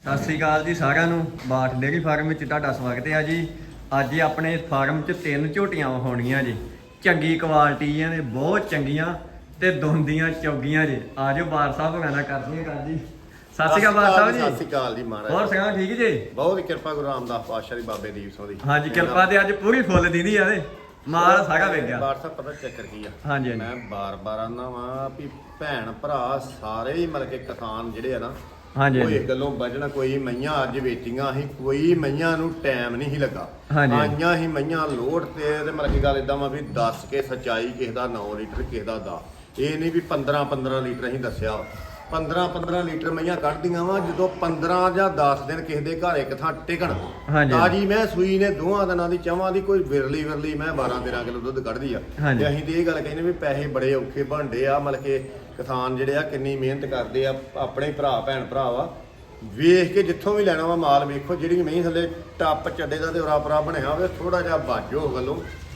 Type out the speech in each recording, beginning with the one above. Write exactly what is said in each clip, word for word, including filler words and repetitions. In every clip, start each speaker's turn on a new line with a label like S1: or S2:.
S1: ਸਤਿ ਸ਼੍ਰੀ ਅਕਾਲ ਜੀ ਸਾਰਿਆਂ ਨੂੰ। ਬਾਠ ਡੇਅਰੀ ਫਾਰਮ ਵਿੱਚ ਤੁਹਾਡਾ ਸਵਾਗਤ ਹੈ ਜੀ। ਅੱਜ ਆਪਣੇ ਫਾਰਮ 'ਚ ਤਿੰਨ ਝੋਟੀਆਂ ਹੋਣਗੀਆਂ ਜੀ। ਚੰਗੀ ਕੁਆਲਿਟੀਆਂ ਨੇ, ਬਹੁਤ ਚੰਗੀਆਂ ਤੇ ਦੋਂਦੀਆਂ ਚੌਗੀਆਂ ਜੀ। ਆਜੋ ਬਾਰ ਸਾਹਿਬ ਹੋਰਾਂ ਦਾ ਕਰਦੇ ਹਾਂ ਜੀ। ਸਤਿ ਸ਼੍ਰੀ ਅਕਾਲ ਬਾਰ ਸਾਹਿਬ ਜੀ।
S2: ਸਤਿ ਸ਼੍ਰੀ ਅਕਾਲ ਜੀ ਮਹਾਰਾਜ।
S1: ਹੋਰ ਸੁਣਾਓ ਠੀਕ ਜੀ?
S2: ਬਹੁਤ ਕਿਰਪਾ ਗੁਰੂ ਰਾਮਦਾਸ ਪਾਤਸ਼ਾਹ ਦੀ, ਬਾਬੇ ਦੀਪ ਸਿੰਘ ਦੀ।
S1: ਹਾਂਜੀ ਕਿਰਪਾ ਤੇ ਅੱਜ ਪੂਰੀ ਫੁੱਲ ਦੀਦੀ ਆ ਤੇ ਮਾਲ ਸਾਰਾ ਵੇਖ ਗਿਆ।
S2: ਬਾਰ ਸਾਹਿਬ ਪਤਾ ਚੱਕਰ ਕੀ ਆ?
S1: ਹਾਂਜੀ
S2: ਮੈਂ ਬਾਰ-ਬਾਰ ਆਨਾ ਵਾਂ ਵੀ ਭੈਣ ਭਰਾ ਸਾਰੇ ਹੀ ਮਤਲਬ ਕਿ ਕਿਸਾਨ ਜਿਹੜੇ ਆ ਨਾ,
S1: ਹਾਂਜੀ
S2: ਕੋਈ ਗੱਲੋਂ ਬਜਣਾ, ਕੋਈ ਮਈਆਂ ਅੱਜ ਵੇਚੀਆਂ ਸੀ, ਕੋਈ ਮਈਆਂ ਨੂੰ ਟਾਈਮ ਨਹੀਂ ਸੀ ਲੱਗਾ।
S1: ਹਾਂਜੀ।
S2: ਆਈਆਂ ਹੀ ਮਈਆਂ ਲੋਡ ਤੇ ਤੇ ਮਤਲਬ ਕਿ ਗੱਲ ਇਦਾਂ ਵਾ ਵੀ ਦੱਸ ਕੇ ਸੱਚਾਈ, ਕਿਸੇ ਦਾ ਨੌ ਲੀਟਰ ਕਿਸੇ ਦਾ ਦਸ। ਇਹ ਨਹੀਂ ਵੀ ਪੰਦਰਾਂ ਪੰਦਰਾਂ ਲੀਟਰ ਅਸੀਂ ਦੱਸਿਆ। ਪੰਦਰਾਂ ਪੰਦਰਾਂ ਲੀਟਰ ਮਈਆਂ ਕੱਢਦੀਆਂ ਵਾ। ਜਦੋਂ ਪੰਦਰਾਂ ਜਾਂ ਦਸ ਦਿਨ ਕਿਸੇ ਦੇ ਘਰ ਇੱਕ ਥਾਂ ਟਿਕਣ,
S1: ਹਾਂਜੀ।
S2: ਤਾਜੀ ਮੈਂ ਸੂਈ ਨੇ ਦੋਹਾਂ ਦਿਨਾਂ ਦੀ ਚਵਾਂ ਦੀ ਕੋਈ ਵਿਰਲੀ ਵਿਰਲੀ ਮੈਂ ਬਾਰਾਂ ਤੇਰਾਂ ਕਿਲੋ ਦੁੱਧ ਕੱਢਦੀ ਆ।
S1: ਹਾਂਜੀ।
S2: ਤੇ ਅਸੀਂ ਤੇ ਇਹ ਗੱਲ ਕਹਿੰਦੇ ਵੀ ਪੈਸੇ ਬੜੇ ਔਖੇ ਬਣਦੇ ਆ। ਮਤਲਬ ਕਿ ਕਿਸਾਨ ਜਿਹੜੇ ਆ ਕਿੰਨੀ ਮਿਹਨਤ ਕਰਦੇ ਆ, ਆਪਣੇ ਭਰਾ ਭੈਣ ਭਰਾ ਵਾ। ਵੇਖ ਕੇ ਜਿੱਥੋਂ ਵੀ ਲੈਣਾ ਵਾ ਮਾਲ ਵੇਖੋ, ਜਿਹੜੀ ਮਹੀਂ ਥੱਲੇ ਟੱਪ ਚੱਡੇ ਦਾ ਤੇ ਉਰਾ ਬਣਿਆ ਹੋਵੇ, ਥੋੜਾ ਜਿਹਾ ਬਾਜੋ ਵੱਲੋਂ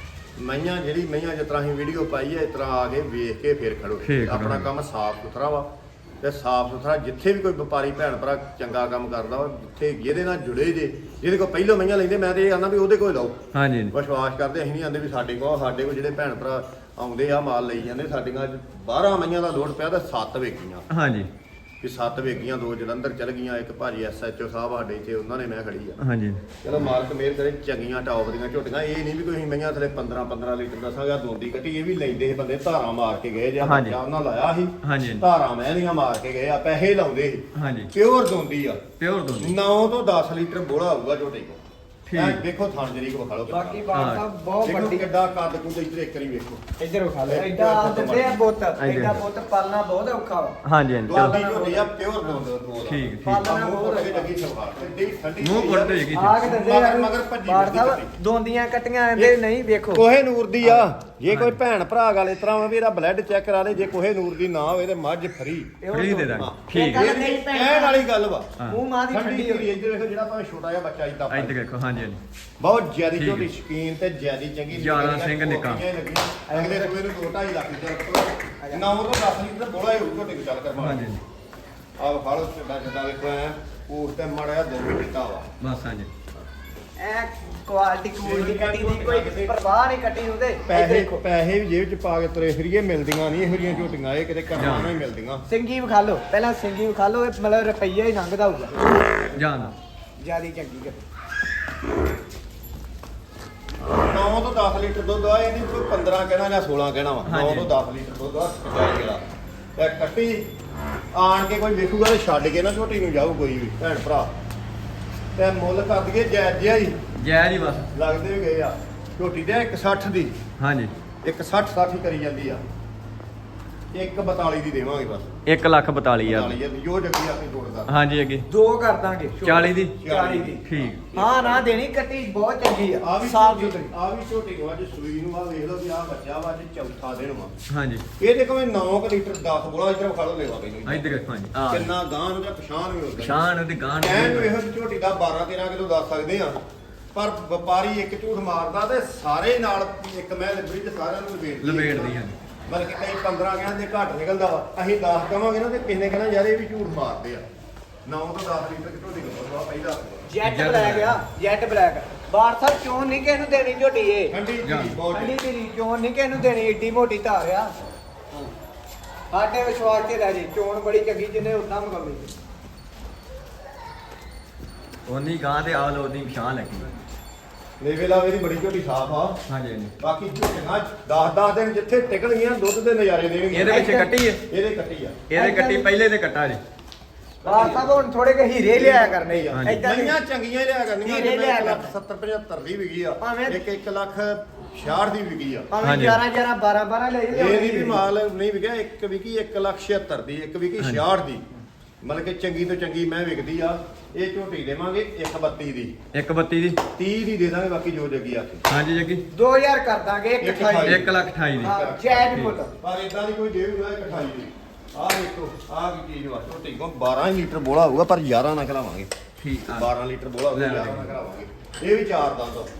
S2: ਮਈਆਂ ਜਿਹੜੀ ਮਈਆਂ ਜਿਸ ਤਰ੍ਹਾਂ ਅਸੀਂ ਵੀਡੀਓ ਪਾਈ ਹੈ ਇਸ ਤਰ੍ਹਾਂ ਆ ਕੇ ਵੇਖ ਕੇ ਫੇਰ ਖੜੋ। ਆਪਣਾ ਕੰਮ ਸਾਫ਼ ਸੁਥਰਾ ਵਾ ਤੇ ਸਾਫ਼ ਸੁਥਰਾ। ਜਿੱਥੇ ਵੀ ਕੋਈ ਵਪਾਰੀ ਭੈਣ ਭਰਾ ਚੰਗਾ ਕੰਮ ਕਰਦਾ ਵਾ, ਜਿੱਥੇ ਜਿਹਦੇ ਨਾਲ ਜੁੜੇ ਜੇ, ਜਿਹਦੇ ਕੋਲ ਪਹਿਲੋਂ ਮਈਆਂ ਲੈਂਦੇ, ਮੈਂ ਤੇ ਇਹ ਆਂਦਾ ਵੀ ਉਹਦੇ ਕੋਲ ਲਓ। ਹਾਂਜੀ। ਵਿਸ਼ਵਾਸ ਕਰਦੇ, ਅਸੀਂ ਨਹੀਂ ਆਂਦੇ ਵੀ ਸਾਡੇ ਕੋਲ। ਸਾਡੇ ਕੋਲ ਜਿਹੜੇ ਭੈਣ ਭਰਾ ਆਉਂਦੇ ਆ ਮਾਲ ਲਈ ਜਾਂਦੇ। ਸਾਡੀਆਂ ਬਾਰਾਂ ਮਈਆਂ ਦਾ ਲੋਡ ਪਿਆ ਤਾਂ ਸੱਤ ਵੇਚੀਆਂ। ਹਾਂਜੀ। ਵੀ ਸੱਤ ਵੇਚੀਆਂ, ਦੋ ਜਲੰਧਰ ਚਲ ਗਈਆਂ, ਇੱਕ ਭਾਜੀ ਐਸ ਐਚ ਓ ਸਾਹਿਬ ਸਾਡੇ ਇੱਥੇ, ਉਹਨਾਂ ਨੇ ਮੈਂ ਖੜੀ ਆ। ਹਾਂਜੀ। ਚਲੋ ਮਾਲਕ ਮਿਹਰ ਕਰੇ, ਚੰਗੀਆਂ ਟੌਪ ਦੀਆਂ ਝੋਟੀਆਂ। ਇਹ ਨਹੀਂ ਵੀ ਕੋਈ ਮਈਆਂ ਥਲੇ ਪੰਦਰਾਂ ਪੰਦਰਾਂ ਲੀਟਰ ਦੱਸਾਂਗਾ ਦੋਂਦੀ ਕੱਟੀ। ਇਹ ਵੀ ਲੈਂਦੇ ਸੀ ਬੰਦੇ, ਧਾਰਾਂ ਮਾਰ ਕੇ ਗਏ ਜਾਂ ਬੱਚਾ ਉਹਨਾਂ ਲਾਇਆ ਸੀ, ਧਾਰਾਂ ਮਹਿੰਦੀਆਂ ਮਾਰ ਕੇ ਗਏ ਆ, ਪੈਸੇ ਲਾਉਂਦੇ ਸੀ। ਹਾਂਜੀ। ਪਿਓਰ ਦੋਂਦੀ ਆ, ਪਿਓਰ ਦੋਂਦੀ। ਨੌ ਤੋਂ ਦਸ ਲੀਟਰ ਬੋਲਾ ਹੋਊਗਾ ਝੋਟੀ ਕੋਲ। ਠੀਕ। ਦੇਖੋ ਥਣ ਜਰੀ ਕੋ ਵਿਖਾ ਲਓ।
S3: ਬਾਕੀ ਬਾਤ ਸਾਹਿਬ ਬਹੁਤ ਵੱਡੀ।
S2: ਕਿੱਡਾ ਕੱਦ ਕੁੱਦ ਇੱਧਰ ਇੱਕ ਵਾਰੀ ਵੇਖੋ,
S3: ਇੱਧਰ ਵਿਖਾ ਲਓ। ਐਡਾ ਦਿੰਦੇ ਆ ਬੁੱਤ, ਐਡਾ ਬੁੱਤ ਪਾਲਣਾ ਬਹੁਤ ਔਖਾ ਵਾ।
S1: ਹਾਂਜੀ ਹਾਂਜੀ।
S2: ਦੋਂਦੀ ਝੋਟੀ ਆ, ਪਿਓਰ ਦੋਂਦ। ਠੀਕ ਠੀਕ।
S3: ਪਾਲਣਾ ਬਹੁਤ
S2: ਲੱਗੀ ਲੱਗੀ ਸਵਾਰ ਠੰਡੀ ਠੰਡੀ
S1: ਮੂੰਹ ਕੁੱਟ ਤੇ ਹੈਗੀ।
S3: ਆਗ ਦਿੰਦੇ ਆ
S2: ਮਗਰ ਭੱਜੀ
S3: ਬਾਰ ਸਾਹਿਬ ਦੋਂਦੀਆਂ ਕੱਟੀਆਂ ਆਂਦੇ ਨਹੀਂ। ਵੇਖੋ
S2: ਕੋਹੇ ਨੂਰ ਦੀ ਆ। ਜੇ ਕੋਈ ਭੈਣ ਭਰਾ ਗੱਲ ਇਸ ਤਰ੍ਹਾਂ ਵਾ ਵੀ ਇਹਦਾ ਬਲੱਡ ਚੈੱਕ ਕਰਾ ਲੇ, ਜੇ ਕੋਹੇ ਨੂਰ ਦੀ ਨਾ ਹੋਵੇ ਤੇ ਮੱਝ ਫਰੀ
S1: ਫਰੀ ਦੇ ਦਾਂਗੇ। ਠੀਕ
S3: ਹੈ।
S2: ਇਹ ਕਹਿਣ ਵਾਲੀ ਗੱਲ ਵਾ।
S3: ਮੂੰਹ ਮਾਂ ਦੀ ਠੰਡੀ
S2: ਹੋਈ। ਇੱਧਰ ਵੇਖੋ, ਜਿਹੜਾ ਭਾਵੇਂ ਛੋਟਾ ਜਿਹਾ ਬੱਚਾ ਇੱਦਾਂ
S1: ਇੱਧਰ ਦੇਖੋ। ਹਾਂਜੀ ਹਾਂਜੀ।
S2: ਬਹੁਤ ਜ਼ਿਆਦੀ ਝੋਟੀ ਸ਼ਕੀਨ ਤੇ ਜ਼ਿਆਦੀ ਚੰਗੀ।
S1: ਜ਼ਿਆਦਾ ਸਿੰਘ ਨਿੱਕਾ।
S2: ਅਗਲੇ ਸੂਏ ਨੂੰ ਦੋ ਢਾਈ ਲੱਖ ਰੁਪਏ ਨੌ ਤੋਂ ਦਸ ਲੀਟਰ ਬੋਲਾ ਹੋਊ ਝੋਟੀ ਨੂੰ ਚੱਲ ਕਰਵਾ। ਹਾਂਜੀ। ਆਹ ਫਾਲੋ ਛੱਡਾ ਛੱਡਾ ਵੇਖੋ ਐ ਉਸ ਤੇ ਮੜਿਆ ਦੋ ਵੀ ਦਿੱਤਾ ਵਾ ਬਸ। ਹਾਂਜੀ।
S3: ਐ ਕੁਆਲਿਟੀ ਕੁਆਲਿਟੀ ਕੱਟੀ ਦੀ ਕੋਈ ਪਰਵਾਹ ਨਹੀਂ ਕੱਟੀ ਉਹਦੇ।
S2: ਪੈਸੇ ਪੈਸੇ ਵੀ ਜੇਬ ਚ ਪਾ ਕੇ ਤੁਰੇ ਫਿਰੀਏ, ਮਿਲਦੀਆਂ ਨਹੀਂ ਇਹੋ ਜਿਹੀਆਂ ਝੋਟੀਆਂ। ਇਹ ਕਿਤੇ ਕਰਮਾਂ ਨਾਲ ਹੀ ਮਿਲਦੀਆਂ।
S3: ਸਿੰਗੀ ਵਿਖਾ ਲਓ ਪਹਿਲਾਂ, ਸਿੰਗੀ ਵਿਖਾ ਲਓ। ਇਹ ਮਤਲਬ ਰੁਪਈਆ ਹੀ ਲੰਘਦਾ ਹੋਊਗਾ।
S1: ਜਾਨ
S3: ਜਿਆਦੀ ਚੰਗੀ ਕੱਟੀ।
S2: ਨੌ ਤੋਂ ਦਸ ਲੀਟਰ ਦੁੱਧ ਆ। ਇਹ ਨਹੀਂ ਕੋਈ ਪੰਦਰਾਂ ਕਹਿਣਾ ਜਾਂ ਸੋਲਾਂ ਕਹਿਣਾ ਵਾ। ਨੌ ਤੋਂ ਦਸ ਲੀਟਰ ਦੁੱਧ ਆ ਜਿਹੜਾ ਤੇ ਕੱਟੀ ਆਣ ਕੇ ਕੋਈ ਵੇਖੂਗਾ ਤੇ ਛੱਡ ਕੇ ਨਾ ਝੋਟੀ ਨੂੰ ਜਾਊ ਕੋਈ ਵੀ ਭੈਣ ਭਰਾ। ਤੇ ਮੁੱਲ ਕਰ ਦਈਏ ਜਾਇਜ਼ ਜਿਹਾ ਹੀ।
S1: ਜਾਇਜ਼ ਹੀ ਬਸ।
S2: ਲੱਗਦੇ ਵੀ ਗਏ ਆ ਝੋਟੀ ਦੇ ਇੱਕ ਸੱਠ ਦੀ। ਹਾਂਜੀ। ਇੱਕ ਸੱਠ ਸੱਠ ਹੀ ਕਰੀ ਜਾਂਦੀ ਆ। ਇੱਕ ਬਤਾਲੀ ਦੀ ਦੇਵਾਂਗੇ ਬਸ।
S1: ਇੱਕ ਲੱਖ ਬਤਾਲੀ ਹਜ਼ਾਰ
S2: ਜੋ ਜੱਗੀ ਆਪੇ ਜੋੜਦਾ।
S1: ਹਾਂਜੀ ਅੱਗੇ
S3: ਦੋ ਕਰ ਦਾਂਗੇ।
S1: ਚਾਲੀ ਦੀ।
S3: ਚਾਲੀ ਦੀ।
S1: ਠੀਕ।
S3: ਹਾਂ ਨਾ ਦੇਣੀ ਕੱਟੀ ਬਹੁਤ ਚੰਗੀ ਆ।
S2: ਆ ਵੀ
S3: ਸਾਫ ਸੁਥਰੀ।
S2: ਆ ਵੀ ਝੋਟੀ ਨੂੰ ਅੱਜ ਸੂਈ ਨੂੰ ਆ ਵੇਖ ਲਓ ਵੀ ਆ ਬੱਚਾ ਵਾ, ਅੱਜ ਚੌਥਾ ਦਿਨ ਵਾ।
S1: ਹਾਂਜੀ।
S2: ਇਹ ਦੇਖੋ ਮੈਂ ਨੌ ਲੀਟਰ ਦਸ ਬੋਲਾ ਇੱਧਰ ਖਾ ਲਓ ਲੈਵਾ ਬਈ।
S1: ਇੱਧਰ ਦੇਖੋ। ਹਾਂਜੀ।
S2: ਕਿੰਨਾ ਗਾਂ ਨੂੰ ਜਾਂ ਪਛਾਣ ਵੀ ਹੁੰਦਾ।
S1: ਪਛਾਣ ਉਹਦੀ ਗਾਂ ਨੂੰ।
S2: ਐਨ ਨੂੰ ਇਹੋ ਜਿਹੀ ਝੋਟੀ ਦਾ ਬਾਰਾਂ ਤੇਰਾਂ ਕਿਲੋ ਦੱਸ ਸਕਦੇ ਆ। ਪਰ ਵਪਾਰੀ ਇੱਕ ਝੂਠ ਮਾਰਦਾ ਤੇ ਸਾਰੇ ਨਾਲ ਇੱਕ ਮੈਂ ਲਿਬੜੀ ਤੇ ਸਾਰਿਆਂ ਨੂੰ ਲਪੇਟਦੀ
S1: ਲਪੇਟਦੀ ਆ।
S2: ਬਲਕਿ ਕਈ ਪੰਦਰਾਂ ਕਹਿੰਦੇ ਘੱਟ ਨਿਕਲਦਾ ਵਾ। ਅਸੀਂ ਦਸ ਕਵਾਂਗੇ ਨਾ ਤੇ ਕਿਸੇ ਨੇ ਕਹਿਣਾ ਯਾਰ ਇਹ ਵੀ ਝੂਠ ਮਾਰਦੇ ਆ। ਨੌ ਤੋਂ ਦਸ ਲੀਟਰ ਝੋਟੀ ਕੋਲ ਪਹਿਲਾਂ
S3: ਜੈਟ ਬਲੈਕ ਆ। ਜੈਟ ਬਲੈਕ ਬਾਰ ਸਾਹਿਬ ਚੋਣ ਨਹੀਂ ਕਿਸੇ ਨੂੰ ਦੇਣੀ ਝੋਟੀ ਇਹ।
S2: ਠੰਡੀ ਜੀ ਬਹੁਤ
S3: ਠੰਡੀ ਦੀ ਚੋਣ ਨਹੀਂ ਕਿਸੇ ਨੂੰ ਦੇਣੀ। ਏਡੀ ਮੋਟੀ ਧਾਰ ਆ। ਸਾਡੇ ਵਿਸ਼ਵਾਸ ਤੇ ਲੈ ਜੀ। ਚੋਣ ਬੜੀ ਚੰਗੀ, ਜਿਹਨੇ ਉਦਾਂ ਮਗਾਉਣੀ।
S1: ਉਹਨੀ ਗਾਂ ਤੇ ਆਲ ਉਹਦੀ ਪਛਾਣ ਲੱਗੀ।
S2: ਲੇਵੇਲਾ ਮੇਰੀ ਬੜੀ ਝੋਟੀ ਸਾਫ ਆ। ਹਾਂਜੀ ਹਾਂਜੀ। ਬਾਕੀ ਝੋਟੀਆਂ ਦਸ ਦਸ ਦਿਨ ਜਿੱਥੇ ਟਿਕਣਗੀਆਂ ਦੁੱਧ ਦੇ ਨਜ਼ਾਰੇ ਦੇਣਗੀਆਂ।
S1: ਇਹਦੇ ਵਿੱਚ ਕੱਟੀ ਹੈ।
S2: ਇਹਦੇ ਕੱਟੀ ਆ।
S1: ਇਹਦੇ ਕੱਟੀ ਪਹਿਲੇ ਤੇ ਕੱਟਾ ਜੀ।
S3: ਬਾਰ ਸਾਹਿਬ ਹੁਣ ਥੋੜੇ ਕੇ ਹੀਰੇ ਲਿਆਇਆ ਕਰਨੇ ਆ।
S2: ਏਦਾਂ ਦੀਆਂ ਚੰਗੀਆਂ ਹੀ ਲਿਆ ਕਰਨੀਆਂ।
S3: ਹੀਰੇ ਲਿਆ ਕਰ।
S2: ਸੱਤਰ ਪਝੱਤਰ ਦੀ ਵਿਕੀ ਆ।
S3: ਭਾਵੇਂ
S2: ਇੱਕ ਇੱਕ ਲੱਖ ਛਿਆਹਠ ਦੀ ਵਿਕੀ ਆ।
S3: ਭਾਵੇਂ ਗਿਆਰਾਂ ਗਿਆਰਾਂ ਬਾਰਾਂ ਬਾਰਾਂ ਲੈ
S2: ਇਹ ਨਹੀਂ ਵੀ ਮਾਲ ਨਹੀਂ ਵਿਕਿਆ। ਇੱਕ ਵਿਕੀ ਇੱਕ ਲੱਖ ਛਿਹੱਤਰ ਦੀ, ਇੱਕ ਵਿਕੀ ਛਿਆਹਠ ਦੀ। ਮਤਲਬ ਕਿ ਚੰਗੀ ਤੋਂ ਚੰਗੀ ਮੈਂ ਵਿਕਦੀ ਆ। ਇਹ ਝੋਟੀ ਦੇਵਾਂਗੇ ਇੱਕ ਬੱਤੀ ਦੀ।
S1: ਇੱਕ ਬੱਤੀ ਦੀ।
S2: ਤੀਹ ਦੀ ਦੇ ਦਾਂਗੇ, ਬਾਕੀ ਜੋ ਜੱਗੀ ਆਖੇ।
S1: ਹਾਂਜੀ ਜੱਗੀ।
S3: ਦੋ ਹਜ਼ਾਰ ਕਰ ਦਾਂਗੇ। ਇੱਕ ਅਠਾਈ।
S1: ਇੱਕ ਲੱਖ ਅਠਾਈ ਦੀ।
S3: ਹਾਂ ਜੈਟ ਮੁੱਲ।
S2: ਪਰ ਇਦਾਂ ਦੀ ਕੋਈ ਦੇਊਗਾ ਇੱਕ ਅਠਾਈ ਦੀ। ਆਹ ਦੇਖੋ ਆਹ ਕੀ ਚੀਜ਼ ਵਾ। ਝੋਟੀ ਕੋਲ ਬਾਰਾਂ ਲੀਟਰ ਬੋਲਾ ਹੋਊਗਾ ਪਰ ਗਿਆਰਾਂ ਨਾ ਖਲਾਵਾਂਗੇ।
S1: ਠੀਕ ਆ।
S2: ਬਾਰਾਂ ਲੀਟਰ ਬੋਲਾ ਹੋਊਗਾ, ਗਿਆਰਾਂ ਨਾ ਖਲਾਵਾਂਗੇ। ਇਹ ਵੀ ਚਾਰ ਦੰਦ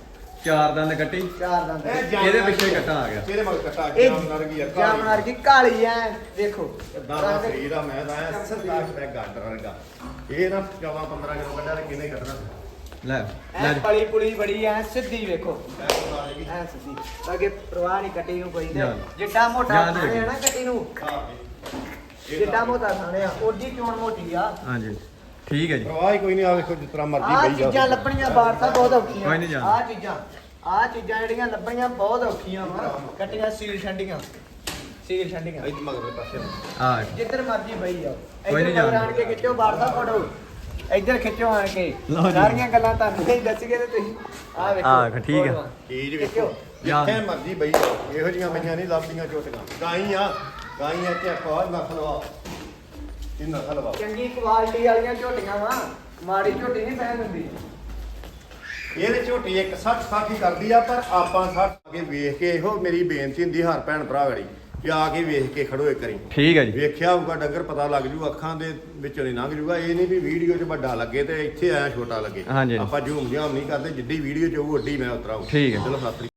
S1: ਚਾਰ ਦੰਦ ਕੱਟੀ
S3: ਚਾਰ ਦੰਦ
S2: ਇਹ ਜਾਮਨਾਰ
S1: ਇਹਦੇ ਪਿੱਛੇ ਕੱਟਾ ਆ ਗਿਆ
S2: ਇਹਦੇ ਮਗਰ ਕੱਟਾ
S3: ਇਹ
S2: ਜਾਮਨਾਰ ਕੀ ਆ
S3: ਜਾਮਨਾਰ ਕੀ ਕਾਲੀ ਐ ਦੇਖੋ
S2: ਦਾਦਾ ਸਰੀਰ ਆ ਮੈਂ ਤਾਂ ਐ ਸਰਦਾਰ ਦਾ ਗਾਡਰ ਵਰਗਾ ਇਹ ਨਾ ਚੌਦਾਂ ਪੰਦਰਾਂ ਕਿਲੋ ਕੱਢਿਆ ਤੇ ਕਿਹਨੇ ਕੱਢਣਾ
S1: ਲੈ
S3: ਐ
S1: ਲੈ
S3: ਪਲੀ ਪੁਲੀ ਬੜੀ ਐ ਸਿੱਧੀ ਵੇਖੋ
S2: ਐ ਬਤਾ ਦੇਗੀ
S3: ਐ ਸਿੱਧੀ ਅੱਗੇ ਪ੍ਰਵਾਹ ਨਹੀਂ ਕੱਟੀ ਨੂੰ ਕੋਈ ਤੇ
S1: ਯਾਰ।
S3: ਜਿੱਡਾ ਮੋਟਾ
S1: ਯਾਦ
S3: ਥਾਣੇ ਆ
S1: ਹੈਗੀ।
S3: ਨਾ ਕੱਟੀ ਨੂੰ
S2: ਹਾਂ
S3: ਜਿੱਡਾ ਮੋਟਾ ਥਾਣੇ ਆ ਓਡੀ ਚੋਣ ਮੋਟੀ ਆ
S1: ਹਾਂਜੀ ਠੀਕ ਹੈ ਜੀ
S2: ਪ੍ਰਵਾਹ ਹੀ ਕੋਈ ਨਹੀਂ ਆ ਵੇਖੋ ਜਿਸ ਤਰ੍ਹਾਂ ਮਰਜ਼ੀ
S3: ਆ
S2: ਬਈ ਜਾ
S3: ਚੀਜ਼ਾਂ ਲੱਭਣੀਆਂ ਬਾਹਰ ਤਾਂ ਬਹੁਤ ਔਖੀਆਂ
S1: ਕੋਈ ਨਹੀਂ ਜਾਣਾ।
S3: ਆ ਚੀਜ਼ਾਂ ਆ ਚੀਜ਼ਾਂ ਜਿਹੜੀਆਂ ਲੱਭਣੀਆਂ ਬਹੁਤ ਔਖੀਆਂ ਵਾ ਕੱਟੀਆਂ ਸੀਲ ਛੰਡੀਆਂ ਸੀਲ ਛੰਡੀਆਂ
S2: ਇੱਥੇ ਮਗਰ ਪਾਸੇ
S1: ਆ
S3: ਜਿੱਧਰ ਮਰਜੀ ਬਈ ਜਾਓ
S1: ਕੋਈ ਨਹੀਂ
S3: ਇੱਧਰ
S1: ਜਾਣਾ।
S3: ਆਣ ਕੇ ਖਿੱਚੋ ਬਾਹਰ ਦਾ ਫੜੋ ਇੱਧਰ ਖਿੱਚੋ ਆਣ ਕੇ
S1: ਲਓ ਜੀ।
S3: ਸਾਰੀਆਂ ਗੱਲਾਂ ਤੁਹਾਨੂੰ ਨਹੀਂ ਦੱਸੀਏ ਤੇ ਤੁਸੀਂ ਆ ਵੇਖੋ
S1: ਆਹ, ਠੀਕ ਆ।
S3: ਫੋਟੋਆਂ।
S2: ਚੀਜ਼
S3: ਖਿੱਚੋ।
S2: ਵੇਖੋ ਜਿੱਥੇ ਮਰਜ਼ੀ ਬਈ ਜਾਓ ਇਹੋ ਜੀਆਂ ਪਈਆਂ ਨਹੀਂ ਲੱਭਦੀਆਂ ਝੋਟੀਆਂ ਗਾਈ ਆ ਗਾਈ ਆ ਤੇ ਕੋਈ ਨਸਲ ਵਾ ਇਹ ਨਸਲ ਵਾ
S3: ਚੰਗੀ ਕੁਆਲਿਟੀ ਵਾਲੀਆਂ ਝੋਟੀਆਂ ਵਾ ਮਾੜੀ ਝੋਟੀ ਨਹੀਂ ਪੈਣ ਦਿੰਦੀ
S2: ਇਹਦੇ ਝੋਟੀ ਇੱਕ ਸੱਠ ਸੱਠ ਹੀ ਕਰਦੀ ਆ ਪਰ ਆਪਾਂ ਸੱਠ ਅੱਗੇ ਵੇਖ ਕੇ ਇਹੋ ਮੇਰੀ ਬੇਨਤੀ ਹੁੰਦੀ ਹਰ ਭੈਣ ਭਰਾ ਗੜੀ ਕਿ ਆ ਕੇ ਵੇਖ ਕੇ ਖੜੋ ਇੱਕ ਵਾਰੀ
S1: ਠੀਕ ਹੈ ਜੀ
S2: ਵੇਖਿਆ ਹੋਊਗਾ ਡੰਗਰ ਪਤਾ ਲੱਗ ਜੂ ਅੱਖਾਂ ਦੇ ਵਿੱਚੋਂ ਨਹੀਂ ਲੰਘ ਜੂਗਾ ਇਹ ਨਹੀਂ ਵੀ ਵੀਡੀਓ 'ਚ ਵੱਡਾ ਲੱਗੇ ਤੇ ਇੱਥੇ ਆਇਆ ਛੋਟਾ ਲੱਗੇ
S1: ਹਾਂਜੀ।
S2: ਆਪਾਂ ਝੂਮ ਝਾਮ ਨਹੀਂ ਕਰਦੇ ਜਿੱਡੀ ਵੀਡੀਓ 'ਚ ਉਹ ਓਡੀ ਮੈਂ ਉਤਰਾਉ
S1: ਠੀਕ ਹੈ।
S2: ਚਲੋ ਸਤਿ ਸ੍ਰੀ ਅਕਾਲ।